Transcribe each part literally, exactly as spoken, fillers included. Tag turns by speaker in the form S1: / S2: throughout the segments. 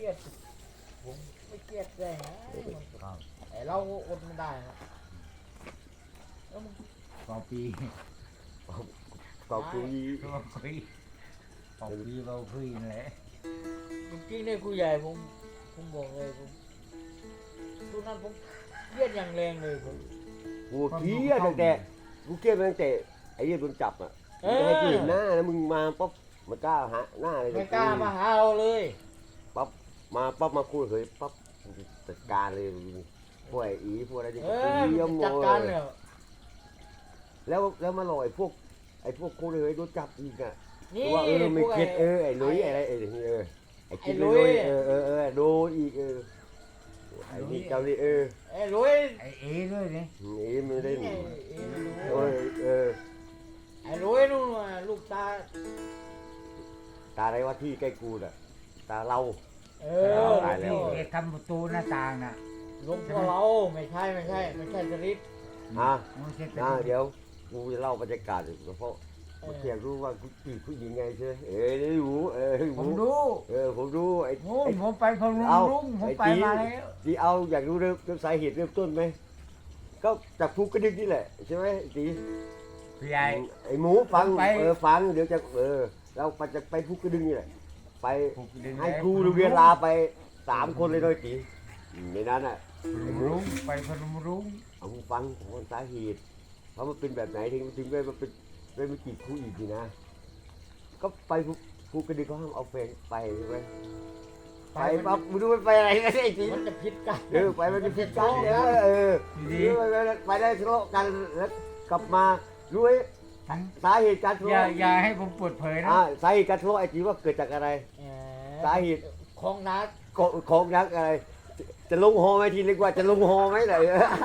S1: รียดผมไม่เครียดได้นะไอเราอดไม่ได้นะแล้วมึง
S2: สองปี
S3: ก็คุย
S2: สองปีสองปีเราคุยนั่นแหละ
S1: จริงๆเนี่ยครูใหญ่ผมผมบอกเลยผมทุกนั้นผมเครียดอย่างแรงเลยผม
S3: กูเครียดตั้งแต่กูเครียดตั้งแต่ไอ้เรื่องโดนจับอ่ะไม่ให้กูเห็นหน้าแล้วมึงมาป๊บมันกล้าหาหน้าเลย
S1: ไม่กล้ามาหาเราเลย
S3: ป๊บมาป๊บมาคุยเฮ้ยป๊บจัดการเลยพวกไอ้อีพวกอะไรที่
S1: เอ
S3: กู
S1: อ
S3: เยี่ยมหม
S1: จัด
S3: ด
S1: การเลย
S3: แล้วแล้วมาหลอยพวกไอ้พวกกูเลยโดนจับอีกอ่ะ
S1: นี่
S3: ว่าเออไม่
S1: พวก
S3: เก็ตเออไอ้ลุยอะไรไอ้เออไอ้คิดลุยเออเออเออโดนอีกเออไอ้นี่เจ้านี่เออ
S1: ไอ้ลุย
S2: ไอ้เอด้วยนี่
S3: เอ้ไม่ได้
S1: ไอ้
S3: เออเออ
S1: ไอ้ลุยนู่นน่ะลูกตา
S3: ตาอะไรวะที่ใกล้กูน่ะตาเรา
S1: เอ
S2: เอ
S1: อ
S3: ตายแล้ว
S2: เอทำประตูหน้าต่างน่ะ
S1: ลงตัวเราไม่ใช่ไม่ใช่ไม่ใช่สลิป
S3: อ่ะ
S2: ไม่ใช่
S3: อ่ะเดี๋ยวกูจะเล่าบรรยากาศเพราะผมเพียงรู้ว่ากูจีบผู้หญิงไงใช่ไหมเออได้รู้เออ
S2: ผมดู
S3: เออผมรู้ไอ้
S2: โอ้ยผมไปพะลุงลุงผมไปมาแล้ว
S3: ที่เอาอยากรู้เริ่มเริ่มสาเหตุเริ่มต้นไหมก็จากภูกระดึงนี่แหละใช่ไหมจี
S2: พี่ใหญ่
S3: ไอ้หมูฟัง
S2: ไป
S3: เออฟังเดี๋ยวจะเออเราไปจะไปภูกระดึงนี่แหละไป
S2: ผมดึง
S3: ให้ครูโรงเรียนลาไปสามคนเลยด้วยจีในนั้นอ่ะ
S2: พะลุงลุงไปพะลุงลุง
S3: เอาฟังของสาเหตุเพราะมันเป็นแบบไหนถึงถึงได้มาเป็นได้มาจีบครูอีกทีนะ ก็ไปภูภูกระดึงเขาห้ามเอาแฟนไปใช่ไหมไปปั๊บมึงดูมันไปอะไรกันไอ้จี
S1: มันจะผิดกัน
S3: เออไปมันจะผิดกันเออเออ
S2: ดี
S3: เออไปได้ไปได้ทะเลาะกันแล้วกลับมารู้ไหม
S2: ทั้ง
S3: สาเหตุการทะ
S2: อย่า
S3: เลาะ
S2: อย่าให้ผมเปิดเผยนะ
S3: อ่าสาเหตุการทะเลาะไอ้จีว่าเกิดจากอะไร สาเหตุ
S1: ของนัด
S3: ของของนักอะไร จะลงหอไหมทีนึกว่าจะลงหอไหมไหน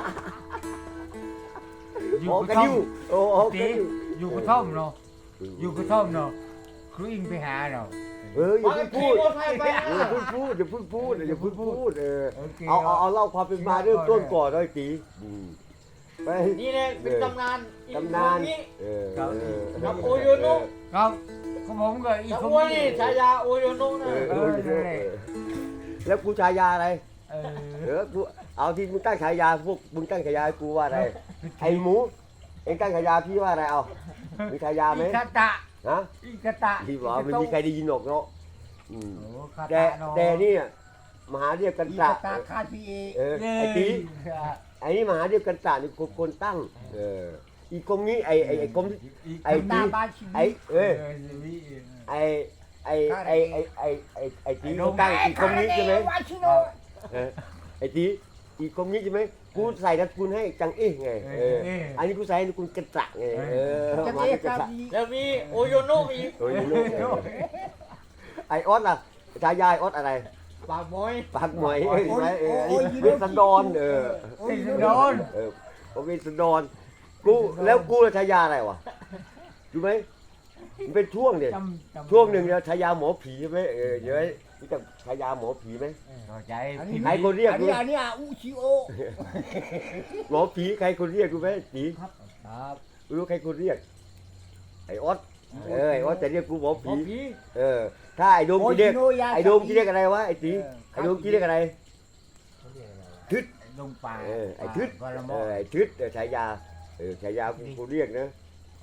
S2: อยู่
S3: หอก
S2: ก
S3: ระ
S2: ระท่อ
S3: ดิ้ว
S2: ม
S3: โอ้โหก
S2: ตี
S3: ระดิ้ว
S2: อยู่กระท่อมเนาะอยู่กระท่อมเนาะครูอิงไปหาเนาะ
S3: เอออย่าเพิ่ง
S1: ขี่
S3: พูด
S1: มอเตอร์ไซค์ไป
S3: เออพูดพูดอย่าเพิ่งพูดอย่าเพิ่งพูดเออ
S2: โอเค
S3: เอาเอาเอาเล่าความเป็นมาเริ่มต้นก่อนเลยตีอืมไป
S1: นี่เนี่ยเป็นตำนาน
S3: ตำนาน
S1: นี้
S3: เออ
S2: ครับ
S3: เออ
S1: กับโอโยโนะ
S2: ครับก็ผมก็อีก
S1: กับ
S2: คน
S1: อ้วนนี่ฉายาโอโยโนะนะ
S3: เออ
S2: เอ
S3: เอ
S2: อ
S3: อ
S2: นั่นแหละ
S3: แล้วกูฉายาอะไร
S2: เออ
S3: เออกูเอาที่มึงตั้งฉายาพวกมึงตั้งฉายาให้กูว่าอะไรไอ้หมูเอ็งตั้งฉายาพี่ว่าอะไรเอามีฉายาไหม
S2: อีกาตะ
S3: ฮะ
S2: อีกาตะ
S3: ที่บอกว่าไม่มีใครได้ยินหรอกเนาะอืม
S2: โอ้คา
S3: แต่
S2: ตะเนาะ
S3: แต่นี่มหาเรียกกัน
S2: อี
S3: ตะ
S2: กาตะคาพีเอ
S3: เออไอ้ตีไอ้นี่มหาเรียกกันตะนี่คนคนตั้งเอออีกกรมนี้ไอ้ไอ้ไอ้กรม ไอ้
S2: ตาบ้านชีวิต
S3: ไอ้เอ้ย
S2: ชีวิต
S3: ไอ้ไอ้ไอ้ไอ้ไอ้ไอ้ไอ้ตีเขาตั้งอีกกรมนี้ใช่ไหม
S2: วาชิโน
S3: เออไอ้ตีอีกกรมนี้ใช่ไหมกูใส่นามสกุลให้จังเอ๊ะไงเอออันนี้กูใส่นามสกุลกันตะไงเออ
S2: จะ
S3: มา
S2: เรีย
S3: จาก กัน
S2: กับ
S3: ตะ
S2: อี
S1: แล้วมีโอโยโนะอีก
S3: โอ้ยลูกไอ้ออสล่ะชายาไอ้ออสอะไร
S1: ปากมอย
S3: ปากหมอยเอ้ยใช่ไหมเอออันนี้เวสสันดรเออ
S2: โอ้ยโดน
S3: เออผมเวสสันดรกูแล้วกูชายาอะไรวะรู้ไหมมันเป็นช่วงเดีย
S2: จำจำ
S3: ช่วงหนึ่งเนี่ยชายาหมอผีใช่ไหมเออเดี๋ยวรู้จักชายาหมอผีไหม
S2: เข้าใจ
S3: ใครคนเรียก
S2: อัน
S3: ดู
S2: นี้อันนี้อูชิโอ
S3: หมอผีใครคนเรียกดูไหมผี
S2: ครับ
S3: รู้ใครคนเรียกไอ้ออสเออไอ้ออสจะเรียกกูหมอ
S1: หมอ
S3: ผี
S1: ผี
S3: เออถ้าไอ้โดมจะเรียกไอ้โดมจะเรียกอะไรวะไอ้ตีไอ้โดมจะเรียกอะไร ทึด
S2: ลงป่า
S3: เออไอ้ทึด
S2: กอละม
S3: เอ
S2: อ
S3: อไอ้ทึดเออฉายาเออฉายากูกูเรียกนะ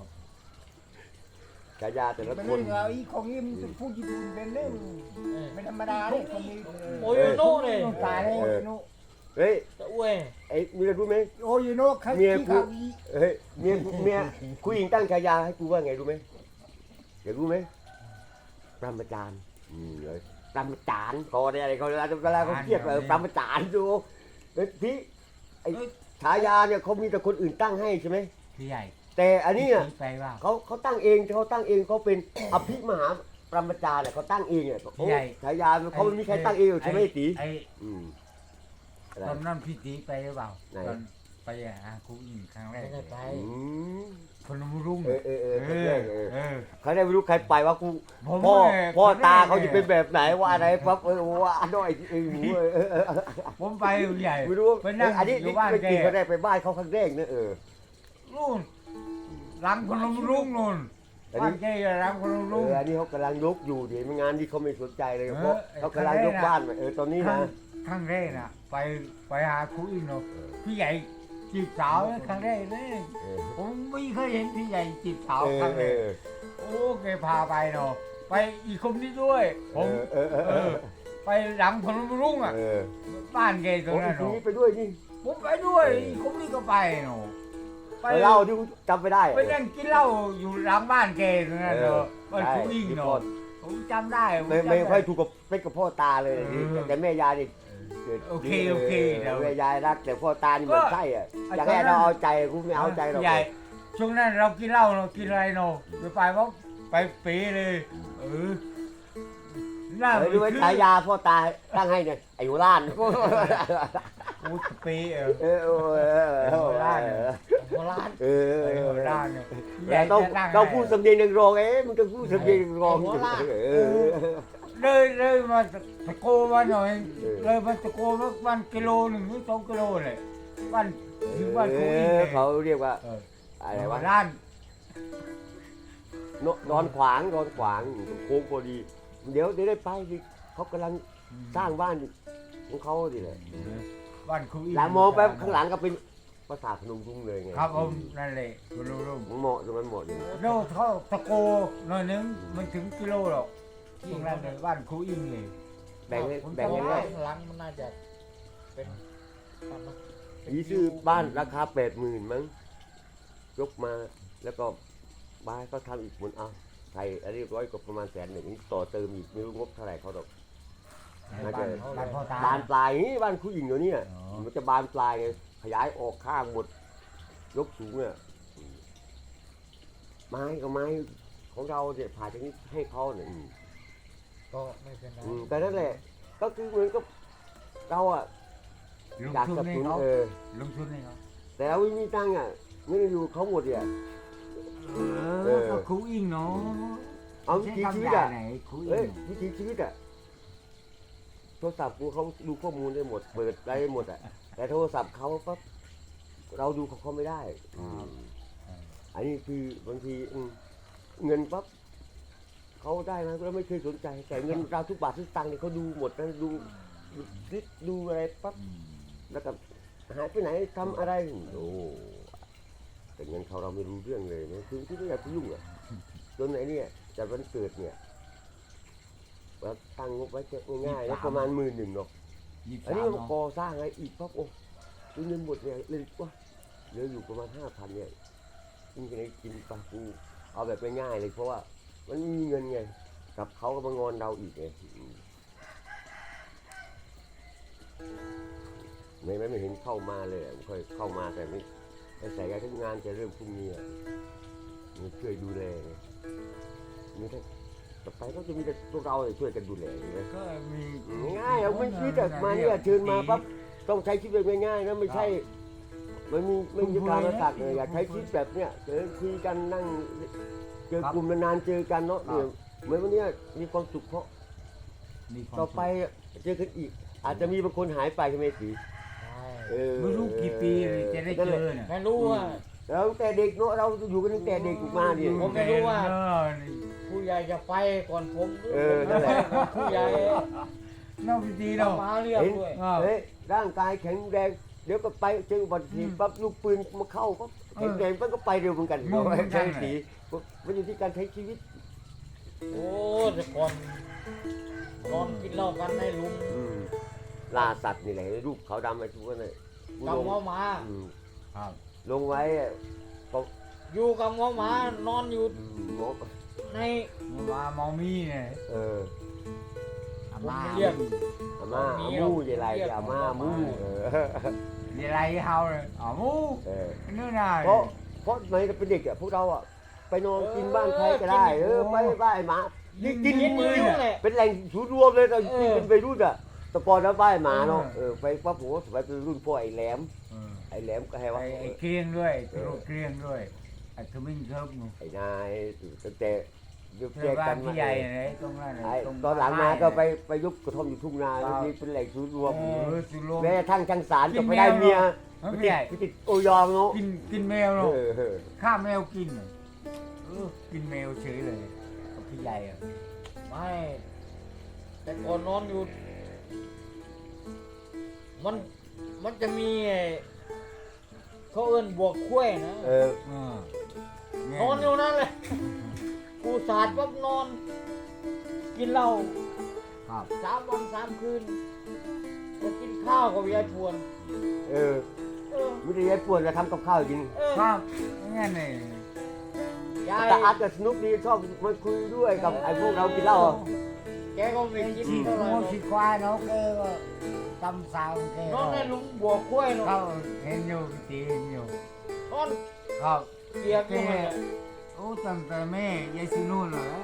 S3: ฉายาแต่ละ
S2: เป็น
S3: ค
S2: เรื่อน งเอาอีของนี้มันจะพูดญี่ปุ่นเป็นเรื่องไม่ธรรมดาเลยคนนี้
S1: โอโยโนะเลย
S2: ลงป่าเลยโอโยโนะ
S3: เฮ้ย
S1: ตะอ้วย
S3: ไอ้มีอะไรรู้ไหม
S2: โอโยโนะใครที่เขาอี
S3: เฮ้ยเมียเมียคุยหญิงตั้งฉายาให้กูว่าไงรู้ไหมอยากรู้ไหมปรมาจารย์อืมเลยปรมาจารย์เขาอะไรอะไรเขาเวลาเวลาเขาเครียดเออปรมาจารย์ดูเฮ้ยพี่ไอ้ฉายาเนี่ยเขามีแต่คนอื่นตั้งให้ใช่ไหม
S2: พี่ใหญ่
S3: แต่อันนี้อ่ะ
S2: ไปว่า
S3: เขาเขาตั้งเองเขาตั้งเองเขาเป็นอภิมหาปรมาจารย์เนี่ยเขาตั้งเองเนี่ย
S2: พี่ใหญ่
S3: ฉายาเขาไม่มีใครตั้งเองหรอกใช่ไหมไอ้ตี
S2: ไอ้
S3: อืมอะไร
S2: ตอนนั้นพี่ตีไปหรือเปล่า
S3: ไหน
S2: ตอนไปหาครูอิงครั้งแร
S1: ไม่
S2: ก
S1: ได้ไป
S3: อืม
S2: พนมรุ้ง
S3: เออเออเออ
S2: เอ
S3: เอ
S2: อ
S3: อเออ
S2: เออ
S3: เขาได้ไม่รู้ใครไปว่ากู
S2: ผม
S3: พ่อ
S2: เนี่ย
S3: พ่อ
S2: ผมเนี่ย
S3: ตาเขาจะเป็นแบบไหนว่าอะไรปั๊บเออว่าหน่อยเออหมูเออเออเออ
S2: ผมไปใหญ่
S3: ไม่รู้
S2: ไปนั่ง
S3: อันนี้
S2: อยู่
S3: นี่
S2: บ้าน
S3: ไม่
S2: แก
S3: จริงเขาได้ไปบ้านเขาครั้งแรกนะเออ
S2: นู่นหลังพนมรุ้งนู่น
S3: เอัน
S2: บ้า
S3: นี้
S2: นเจ๊รังคน
S3: เอ
S2: รุ่ง
S3: ออันนี้เขากำลังยกอยู่ดิไม่งานที่เขาไม่สนใจเลย
S2: เออ
S3: เพราะเขากำลังยกบ้านเออตอนนี้
S2: ครั้
S3: นะ
S2: งครั้งแรกน่ะไปไปหาครูอินเนาะพี่ใหญ่จีบสาวครั้งแรกเลย
S3: เออ
S2: ผมไม่เคยเห็นพี่ใหญ่จีบสาว
S3: เออ
S2: ครั้ง
S3: เอ
S2: แรก
S3: อ
S2: โอ้แกพาไปเนาะไปอีกคนนี้ด้วย ผม
S3: เออเออ
S2: เออไปหลังพนมรุ่งอ่ะ
S3: เออ
S2: บ้านแกตร
S3: โอ้
S2: ง
S3: ย
S2: นั้น
S3: ที
S2: เนาะ
S3: นี้ไปด้วยนี่
S2: ผมไปด้วยอีกคนนี้ก็ไปเนาะไป
S3: ไปเล่าที่จำไม่ได้
S2: ไปนั่งกินเหล้าอยู่หลังบ้านแกตรงนั้นเนาะบ้านครูอิง
S3: ใช่
S2: เนาะผมจำได้ผ
S3: ไม่
S2: จำ
S3: ไม่
S2: ด้
S3: ค่อยถูกกับเป็นกับพ่อตาเลย
S2: เออ
S3: แต่แม่ยายนี่
S2: โอเคโอเคเดี๋ยว
S3: แม่ยายรักแต่พ่อตานี่เหมือนไส้อ่ะ
S2: ก็
S3: อยากให้เราเอาใจกูไม่เอาใจหรอก
S2: ใหญ่ช่วงนั้นเรากินเหล้าเนาะกินอะไรเนาะไปไปว่าไปเป๋เลย เออหน้า
S3: เออ
S2: มัน
S3: ดูไว้
S2: ขึ้น
S3: ฉายาพ่อตาตั้งให้เนี่ยไอ้หัวล้าน
S2: โอ้เป๋เออ
S3: เออเออเออเออ
S2: หัวล้าน
S1: โบราณ
S3: เออ
S2: ไอ้
S3: เอ
S2: หัว
S3: อ
S2: ล้านเนี่ย
S3: แต่ต้องต้องพูดสำเนียงนักร้องเอ๊ะมันจะพูดสำเนียงนักร้องเออ
S2: เลยเลยมาตะโกมาหน่อยเลยมาตะโกมาวันกิโลหนึ่งหรือสองกิโลเลยวันถึงวันคุยเลย
S3: เขาเรียกว่า
S2: เออ
S3: อะไรวะ
S2: ล้าน
S3: นอนขวางนอนขวางโค้งพอดี เดี๋ยวเดี๋ยวได้ไปสิเขากำลังสร้างบ้านของเขาดิเลย
S2: วันคุย
S3: แล้วมองไปข้างหลังก็เป็นปราสาทพนมรุ้งเลยไง
S2: ครับผมนั่นแหละคุณลุง
S3: มันเหมาะตรงนั้นเหมาะดี
S2: โน่เขาตะโกหน่อยนึงมันถึงกิโลหรอกตรงนั้นเลยบ้านครูอิงเลย
S3: แบ่งให้
S2: ผม
S3: แบ่งให้
S2: จำ
S3: ได้
S2: ได้
S1: หลังมันน่าจะเป็นประมาณ
S3: ยี่ซื้อบ้านราคาแปดหมื่นมั้งยกมาแล้วก็บ้านก็ทำอีกหมุนเอาใส่อันนี้ร้อยก็ประมาณแสนหนึ่งนี่ต่อเติมอีกไม่รู้งบเท่าไหร่เขาดอก น่าจะ
S2: บ้านพ่อตา
S3: บานปลายนี่บ้านผู้หญิงเดี๋ยวนี้
S2: อ๋อ
S3: มันจะบานปลายไงขยายออกข้างหมดยกสูงอ่ะไม้กับไม้ของเราเนี่ยผ่าจากนี้ให้เขาเนี่ยอืม
S1: ก็ไม่เป็นไร
S3: อืมแต่นั่นแหละ ก็คือเหมือนกับเราอ่ะ
S2: ลง
S3: อยาก
S2: ทุน
S3: สนับ
S2: ให้
S3: สนุน
S2: เขา
S3: เออ
S2: ลงทุนให้เขา
S3: แต่เราไม่มีตังค์อ่ะเงินอยู่เขาหมดเนี่ย
S2: เออก็ครูอิงเนาะ
S3: เอาวิ
S2: ใช้
S3: ถีชี
S2: คำ
S3: วิต
S2: ด่า
S3: อ่ะ
S2: ไหนครูอิ
S3: เอ้ย
S2: ง
S3: วิถีชีวิตอ่ะโทรศัพท์กูเขาดูข้อมูลได้หมด เปิดได้หมดอ่ะแต่โทรศัพท์เขาปั๊บเราดูของเขาไม่ได้อืมอันนี้คือบางทีอืมเงินปั๊บเขาได้มาเราไม่เคยสนใจ แต่เงินเราทุกบาททุกตังค์เนี่ยเขาดูหมดนะดูดูคลิปดูอะไรปั๊บ
S2: อืม
S3: แล้วก็หายไปไหนทำอะไรโอ้แต่เงินเขาเราไม่รู้เรื่องเลยนะคือที่ไม่อยากไปยุ่งอ่ะจนไหนเนี่ยจัดวันเกิดเนี่ยเราตั้งงบไว้แค่ง่ายๆแล้วประมาณหมื่นหนึ่งเนาะ
S2: ยี่สิบ
S3: อัน
S2: สา
S3: นี้
S2: ม
S3: มัน
S2: เนาะ
S3: ก่อสร้างอะไรอีกปั๊บโอ้ดูเงินหมดเนี่ยเลยว่าเหลืออยู่ประมาณห้าพันเนี่ยกินกันไหนกินไปกูเอาแบบง่ายๆเลยเพราะว่ามันไม่มีเงินไงกับเขาก็มางอนเราอีกไงอืมไม่ไม่ไม่เห็นเข้ามาเลยอะไม่ค่อยเข้ามาแต่ไม่แต่ใส่การทำงานจะเริ่มพรุ่งนี้อ่ะมันช่วยดูแลไงนี่ถ้าต่อไปก็จะมีแต่พวกเราช่วยกันดูแลใช่ไหม
S2: ก็มี
S3: ง่ายๆเอาไม่คิดอะมาเนี่ยเชิญมาปั๊บต้องใช้ชีวิตแบบง่ายๆนะไม่ใช่มันมีไม่มีการมาตักเลยอยากใช้ชีวิตแบบเนี้ยเจอคุยกันนั่งเจอกลุ่มนานๆเจอกันเนาะเนี่ยเหมือนวันเนี้ยมีความสุขเพราะ
S2: มีความ
S3: ต่อไปเจอกันอีก อาจจะมีบางคนหายไปใช่ไหมสี
S1: ใช่
S3: เออ
S2: ไม่รู้กี่ปีเลยจะได้เจอเนี่ย
S1: ไม่รู้ว่า
S3: แล้วตั้งแต่เด็กเนาะเราอยู่กันตั้งแต่เด็กมาเนี่ย
S1: ผมไม่รู้ว่า
S2: เออนี่
S1: ผู้ใหญ่จะไปก่อนผมหรือ
S3: เออ
S1: ผม
S3: นั่นแหละ
S1: จะไปก่อนผู้ใหญ่
S2: นอกพิธี
S1: เรา
S2: เนาะ
S1: มาเรียกด้วย
S2: อ้าว
S3: เฮ้ยร่างกายแข็งแรงเดี๋ยวก็ไปเจออุบัติเหตุปั๊บลูกปืนมาเข้าปั๊บแข็งแรงปั๊บก็ไปเร็วเหมือนกัน
S2: งงเหมือนกัน
S3: ใช่สีมันอยู่ที่การใช้ชีวิต
S1: โอ้แต่ก่อนนอนกินเหล้ากันในหลุม
S3: อืมล่าสัตว์นี่แหละรูปขาวดำไอ้ทุกคนเลยกู
S1: กับ
S3: ลง
S1: หัวหมา
S3: อืม
S2: ครับ
S3: ลงไว้อะก็
S1: อยู่กับหัวหมานอนอยู่
S3: อืมหมอ
S1: ใน
S2: มามองมีเนี่ย
S3: เออ
S2: อาม่า
S1: เรียก
S3: อาม่าอามู่ยายไรอาม่ามู่เออ
S2: เดี๋ยวไรเฮาเลยอ๋อมู
S3: เออ
S2: นู่นน่ะ
S3: เพราะเพราะสมัยเราเป็นเด็กอ่ะพวกเราอ่ะไปนอนกินบ้านใครก็ได้ เออไปบ้านไอ้หมานี่กิน
S1: กินอ
S3: มื
S1: ยู่
S3: อ
S1: นั่นแหละ
S3: เป็นแหล่งศูนย์รวมเลยตอน
S1: เอ
S3: ที่
S1: อ
S3: เป็นวัยรุ่นอ่ะแต่ก่อนแล้วบ้านหมาเนาะเออไปปั๊บผมสมัยเป็นรุ่นพ่อไอ้แหลม
S2: เออ
S3: ไอ้แหลมก็ให้ว่า
S2: ไอ้ไอ้เกรียงด้วยตลกเกรียงด้วยไอ้ขมิ้นเคิร์ฟนู่น
S3: ไอ้นายตั้งแต่ยุค
S2: เพื่
S3: แย
S2: อก บ้า
S3: กัน น
S2: พี่
S3: มา
S2: ใหญ่ไหนตรงนั้น
S3: ไอ้
S2: ตรง
S3: ตอนหลังมาก็ไปไปยุบกระท่อมอยู่ทุ่งนาที่เป็นแหล่งศูนย์รวม
S2: เออสุโลม
S3: แม้กระทั่งจังสาร
S2: กิ
S3: ก็
S2: น
S3: ไปได้
S2: แมว
S3: เมีย
S2: เออพี่ใหญ่
S3: ไปติดโอยองเนาะ
S2: กินกินแมว
S3: เอ
S2: เนาะ
S3: อเออ
S2: ฆ่าแมวกินน่ะเออกินแมวเฉยเลยกับพี่ใหญ่อะ
S1: ไม่แต่ก่อนนอนอยู่ มันมันจะมีไอ้เขาเอิ้นบวกคุ้ยนะ
S3: เออ
S2: เออน
S1: อนอยู่นั่นเลยกูสาดปั๊บนอน กินเหล้า
S2: ครับ
S1: สามวันสามคืนจะกินข้าวกับยายพวน
S3: เออ
S1: เออ
S3: ไม่ได้ยายปวดจะทำกับข้าวกิน
S1: เออ
S2: ครับงั้นเลย
S1: ยาย
S3: แต่อาจจะสนุกดีชอบมาคุยด้วยกับไอ้พวกเรากินเหล้าอะ
S1: แกก็ไม่กิน
S2: ฉีด
S1: เท่าไหร่
S2: งู
S1: หรอก
S2: ฉีดควายเนาะแกก็ตำสาวแก
S1: นอนในหลุมบวกคุ้ยเนาะ
S2: เขาเห็นอยู่ตีเห็นอยู่
S1: นอน
S2: ครับ
S1: เปียกอยู่นั่นแหละ
S2: โอ้ตั้งแต่แม่ยายซีนู่นเหรอ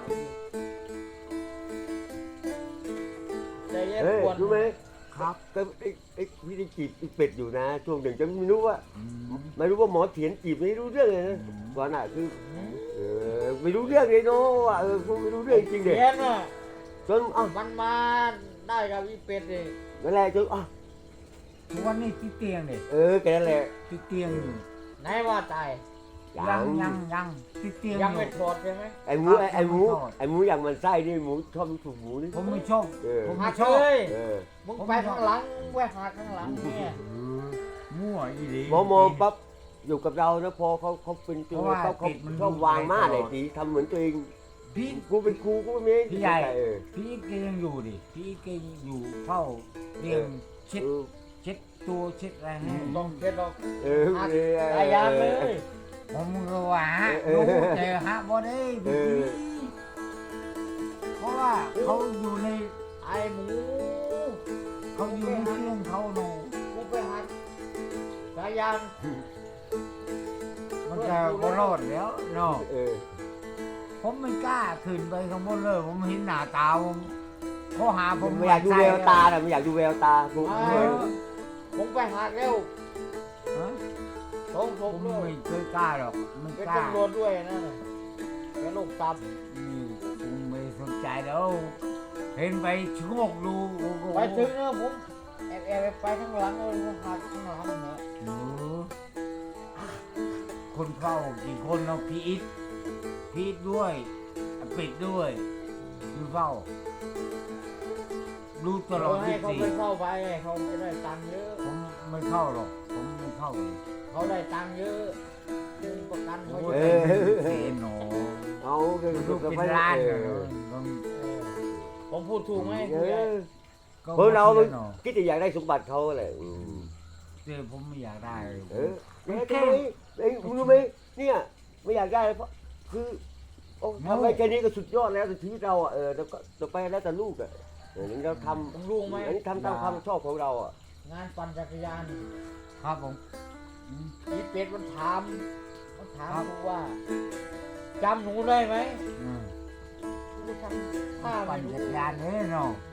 S1: แต่ยาย
S3: เฮ้ย
S1: พวน
S3: รู้ไหม
S2: ครับ
S3: ก็ไอ้ไอ้พี่ได้จีบไอ้เป็ดอยู่นะช่วงหนึ่งจะไม่รู้ว่า
S2: อืม
S3: ไม่รู้ว่าหมอเถียนจีบไม่รู้เรื่องเลยนะ
S2: อืม
S3: ก่อนอ่ะคือ
S1: อืม
S3: เออไม่รู้เรื่องเลยเนาะว่าเออกูไม่รู้เรื่องจริงๆเด็
S1: เพี้ยนอ่ะ
S3: จนอ่ะ
S1: มันมาได้กับอีเป็ดเลย
S3: นั่นแหละจนอ่ะ
S2: ทุกวันนี้ติดเตียงเลย
S3: เออแกนั่นแหละ
S2: ติดเตียงอยู่
S1: ไหนว่าตาย
S2: ยังยังยังติดเตียง
S1: ยัง
S2: อ
S1: ไม่
S2: ยู่
S1: ถอดใช่ไหม
S3: ไอ้หมูไอ้ไอ้หมูไอ้หมูอย่างมันไส้นี่หมูชอบถูกหมูนี่
S2: ผมไม่ชอบ
S3: เออ
S2: ผม
S1: หั
S2: ไม่
S1: ก
S2: ชอบ
S1: เลย
S3: เออ
S1: มึงไปข้างหลังมึงไปหักข้างหลังเนี่ย
S2: มั่วอีหลี
S3: หมอมองปั๊บอยู่กับเรานะพอเขาเขาเป็นตัว
S2: เพราะว่า
S3: เขาเขา
S2: ติดมัน
S3: ชอบวางมา
S2: ต
S3: เล
S2: ล
S3: ย
S2: อด
S3: สีทำเหมือนตัวเอง
S2: พี่
S3: กูเป็นครูกูไม่มี
S2: พี่ใหญ่
S3: เออ
S2: พี่แกยังอยู่ดิพี่แกอยู่เฝ้าเตียงเช็ด
S3: เออ
S2: เช็ดตัวเช็ดอะไรให้
S1: ต้องเช็ดดอก
S3: เออ
S1: หัก
S3: เออ
S1: ตายานเลย
S2: ผมก็ว่าฮะ
S3: เออ
S2: รู้แต่ฮะบ่ได้
S3: เอ
S2: พี่
S3: อ
S2: เพราะว่าเขาอยู่ใน
S1: ไอ้หมู
S2: เขาอยู่ในเครื่องเขาโน
S1: กูไปหักสายยาง
S2: มันจะบ่รอดแล้วเนาะ
S3: เออ
S2: ผมไม่กล้าขึ้นไปข้างบนเลย ผมเห็นหน้าตาผมเขาหาผ
S3: ผม มไม่อยากดูแววตาน่ะไม่อยากดูแววตากู
S1: ไอ้
S3: เออ
S1: ผมไปหักแล้ว
S2: ฮะ
S1: สองศ
S2: ผ
S1: พ
S2: ม
S1: เล
S2: ไม่
S1: ย
S2: เคยกล้าหรอกไม่
S1: เป็น
S2: กล้า
S1: ตำรวจด้วยนั่นน่ะแกโรคตับ
S2: นี่ผมไม่สนใจแล้วเห็นไปชะโงกดูโอ้โห
S1: ไปถึงนะผมแอบแอบไปข้างหลังเลยผมหักข้างหลังเนี่ย
S2: โอ้โหคนเข้ากี่คนเนาะพี่อิทพี่อิทด้วยอ่ะปิดด้วยดูเฝ้าดูตลอด
S1: ให้
S2: ยี่
S1: เขา
S2: สี่
S1: ไปเข้าไปเขาจะได้ตังค์เยอะ
S2: ผมไม่เข้าหรอกผมไม่เข้าเลย
S1: เขาได้ตังค์เยอะเรื่องประกันเขา
S2: โอ้
S1: เย
S2: ย
S1: อะ
S2: เสียหนอ
S3: เอาเออ
S2: ดูเป็นล้าน
S3: เอ
S2: เลย
S3: อ
S2: ต้อง
S1: เออผมพูดถูกไหม
S3: เอ
S1: คุณยาย
S3: อ
S2: ก็
S3: เพราะเรา
S2: สียหนอ
S3: คิดจะอยากได้สมบัติเขาแหละอืม
S2: แต่ผมไม่อยากได้เลย
S3: เออแม่ทำไมไอ้ยคุณรู้ไหมเนี่ยไม่อยากได้เพราะคือโอ้ทำไปแค่นี้ก็สุดยอดแล้วในชีวิตเราอ่ะเออแล้วก็ต่อไปแล้วแต่ลูกอ่ะเออเราท
S1: ต้องรู้ไหม
S3: ำอันนี้ทำตามความชอบของเราอ่ะ
S1: งานปั่นจักรยาน
S2: ครับผมอืม
S1: อีเป็ดมันถามมันถาม
S2: ครับ
S1: กูว่าจำหนูได้ไหม
S2: อืม
S1: กูทำท่า
S2: ปั่
S1: ไม่
S2: น
S1: รู้
S2: จักรยานเลยเนาะ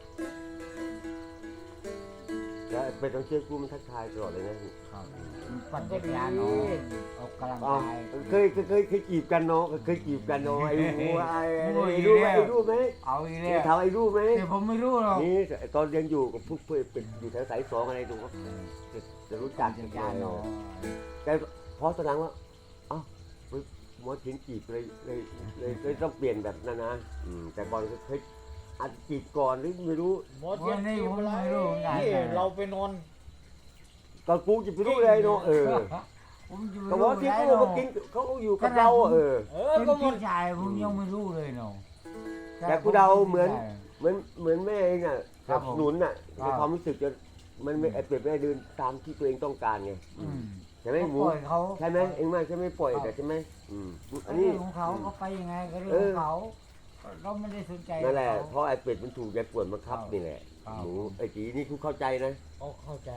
S3: แล้วเป็นต้องเชื่อกูมันทักทายตลอดเลยนะ
S2: ครับปั่นจักรยานเนาะออกกำลัง
S3: อ๋อก
S2: าย
S3: เคยเคยเคยเคยจีบกันเนาะเคยจีบกันเนาะไอ้หมูไอ้ไอ้
S2: โอ้ย
S3: ไอ้รู้ไหม
S2: แล้ว
S3: ไอ้รู้ไหม
S2: เอาอีกแล้
S3: เนี่ยว ถามไอ้รู้ไหม
S2: แต่ผมไม่รู้หรอก
S3: นี่ตอนเรียนอยู่กับพวกเพื่อนเป็นอยู่แถวสายสองอะไรดูว่าจะจะรู้จั
S2: ปั่
S3: ก
S2: นจักรยานเนาะ
S3: แต่พอตอนหลังว่าเอ้าหมอถิงจีบเลยเลยเลยเลยต้องเปลี่ยนแบบนั้นนะอืมแต่ก่อนเคยอาจจีบก่อนหรือไม่รู้
S1: หมอเทียนจีบอะไรเราไปนอน
S3: ตอนกูจะไปรู้เลยเนาะเออ
S2: ผมจะ
S3: แต่
S2: ไม่
S3: หมอ
S2: รู้
S3: ถิง
S2: ได้
S3: เขา
S2: หร
S3: ก็
S2: อก
S3: กินเขาอยู่กับเราอะเออ
S1: เออ
S2: เป็น
S1: ก็หม
S2: พี่
S1: ด
S2: ชายผมยังไม่รู้เลยเนาะ
S3: แต่กูเดาเหมือน เหมือนเหมือนแม่เองอ่ะ
S2: ครั
S3: สั
S2: บบ ผม
S3: สนุนอ่ะ
S2: ครั
S3: ใน
S2: บ
S3: ความรู้สึกจะมันไม่ไอเปรียบแม่เดินตามที่ตัวเองต้องการไง
S2: อืม
S3: ใช่ไหมหมู
S2: ปล่อยเขา
S3: ใช่ไหมเองมากใช่ไหมปล่อย
S2: ครับ
S3: แต่ใช่ไหมอืมอัน
S2: เรื่
S3: นี้
S2: องของเขาเขาไปยังไงก็เรื่อง
S3: เอ
S2: ข
S3: อ
S2: องเขาเราไม่ได้สนใจ
S3: นั่นแหละ
S2: เขา
S3: เพราะไอเป็ดมันถูกยายป่วนบังคับ
S2: ครับ
S3: นี่แหละ
S2: ครับ
S3: หมูไอจีนี่กูเข้าใจนะ
S1: เขาเข้าใจ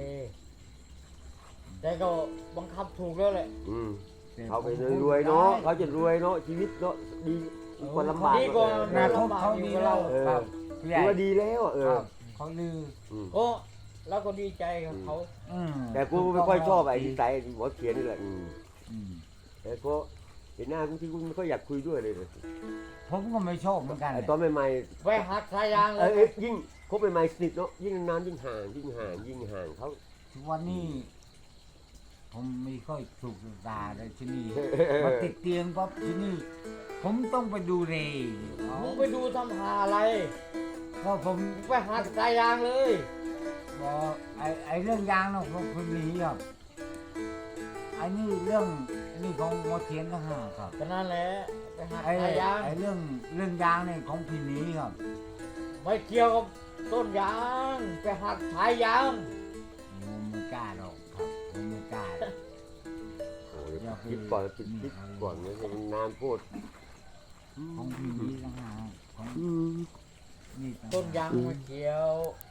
S1: แต่ก็บังคับถูกแล้วแหละ
S3: อืม
S2: แต่
S3: เขาไป
S2: ผม
S3: รวยๆเนาะ
S1: ได้
S3: เขาจะรวยเนาะชีวิตเนาะดีคนลำบาก
S1: ดีกว่า
S3: เออ
S2: นา
S3: เอ
S2: ค
S3: อ
S2: ตเขาดีแล้ว
S3: เออ
S2: ครับพี่ใหญ่
S3: ถือว่าดีแล้วอะเอ
S2: ค
S3: อ
S2: รับเขาลือ
S3: อืม
S1: ก็เราก็ดีใจกับเขา
S2: อืม
S3: แต่กูไม่ค่อยชอบไอ้นิสัยหมอเขียนนี่แหละอืม
S2: อืม
S3: แต่ก็เห็นหน้ากูที่กูไม่ค่อยอยากคุยด้วยเลยเลย
S2: ผมก็ไม่ชอบเหมือนกัน
S3: ไอ้ตอนใหม่ๆ
S1: ไปหักสายยางเล
S3: เอ้
S1: ย
S3: ยเอ้ยยิ่งคบใหม่ๆสนิทเนาะยิ่งนานยิ่งห่างยิ่งห่างยิ่งห่างเขา
S2: ทุกวันนี้ผมไม่ค่อยถูกตาเลยที่นี่มาติดเตียงปั๊บที่นี่ผมต้องไปดูเรย์
S1: มึงไปดูทำหาอะไร
S2: เพราะผม
S1: มึงไปหาสายยางเลย
S2: บอกไอ้ไอ้เรื่องยางเนาะผมคนนี้ครับไอ้นี่เรื่องไอ้นี่ของหมอเทียนก็ห้าครับ
S1: ก็นั่นแหละไปหา
S2: ไอ้
S1: สายยาง
S2: ไอ้เรื่องเรื่องยางเนี่ยของพี่หนี้ครับ
S1: ไม่เกี่ยวกับต้นยางไปหักสายยาง
S2: ผมไม่กล้าหรอกครับผมไม่กล้าหรอก
S3: โอ้ยคิดก่อนคิดคิดก่อนนะมันนานพูด
S2: ของพี่หนี้ก็ห้าของนี่ต่างหาก
S1: ต้นยางไม่เกี่ยว
S3: อ